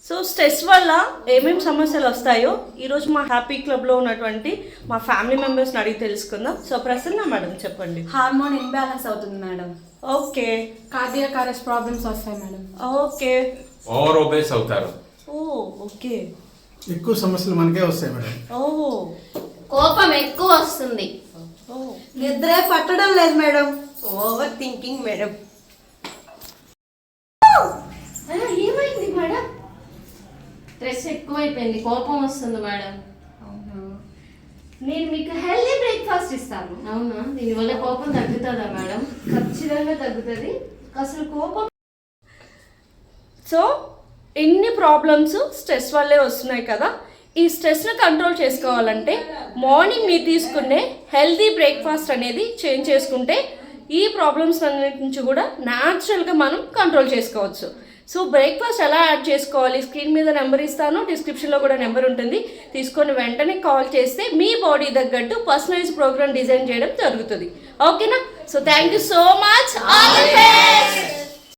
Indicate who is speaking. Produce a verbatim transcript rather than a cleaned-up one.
Speaker 1: So stress వల్ల ఏమేమి సమస్యలు వస్తాయో ఈరోజు మా హ్యాపీ క్లబ్లో ఉన్నటువంటి మా ఫ్యామిలీ మెంబర్స్ని అడిగి తెలుసుకుందాం. సో ప్రసన్న మేడం చెప్పండి.
Speaker 2: హార్మోన్ ఇన్బ్యాలెన్స్ అవుతుంది madam.
Speaker 1: Okay.
Speaker 2: Cardiac arrest problems వస్తాయి మేడం.
Speaker 1: ఓకే.
Speaker 3: ఓవర్ ఒబేస్ అవుతారు.
Speaker 1: Oh okay.
Speaker 4: ఎక్కువ సమస్యలు మనకే వస్తాయి మేడం.
Speaker 1: ఓ
Speaker 5: కోపం ఎక్కువ వస్తుంది.
Speaker 1: ఓ
Speaker 6: నిద్రే పట్టడం లేదు మేడం. Over thinking madam.
Speaker 5: ఏమైంది మేడం? స్ట్రెస్ ఎక్కువైపోయింది, కోపం వస్తుంది మేడం.
Speaker 7: నేను మీకు హెల్దీ బ్రేక్ఫాస్ట్ ఇస్తాను.
Speaker 5: అవునా? దీనివల్ల కోపం తగ్గుతుందా మేడం?
Speaker 7: ఖచ్చితంగా తగ్గుతుంది. అసలు కోపం
Speaker 1: సో ఎన్ని ప్రాబ్లమ్స్ స్ట్రెస్ వల్లే వస్తున్నాయి కదా. ఈ స్ట్రెస్ని కంట్రోల్ చేసుకోవాలంటే మార్నింగ్ మీరు తీసుకునే హెల్దీ బ్రేక్ఫాస్ట్ అనేది చేంజ్ చేసుకుంటే ఈ ప్రాబ్లమ్స్ అన్నిటి నుంచి కూడా న్యాచురల్గా మనం కంట్రోల్ చేసుకోవచ్చు. సో బ్రేక్ఫాస్ట్ ఎలా యాడ్ చేసుకోవాలి, స్క్రీన్ మీద నెంబర్ ఇస్తాను, డిస్క్రిప్షన్లో కూడా నెంబర్ ఉంటుంది. తీసుకొని వెంటనే కాల్ చేస్తే మీ బాడీ తగ్గట్టు పర్సనలైజ్ ప్రోగ్రామ్ డిజైన్ చేయడం జరుగుతుంది. ఓకేనా? So thank you so much. All the best.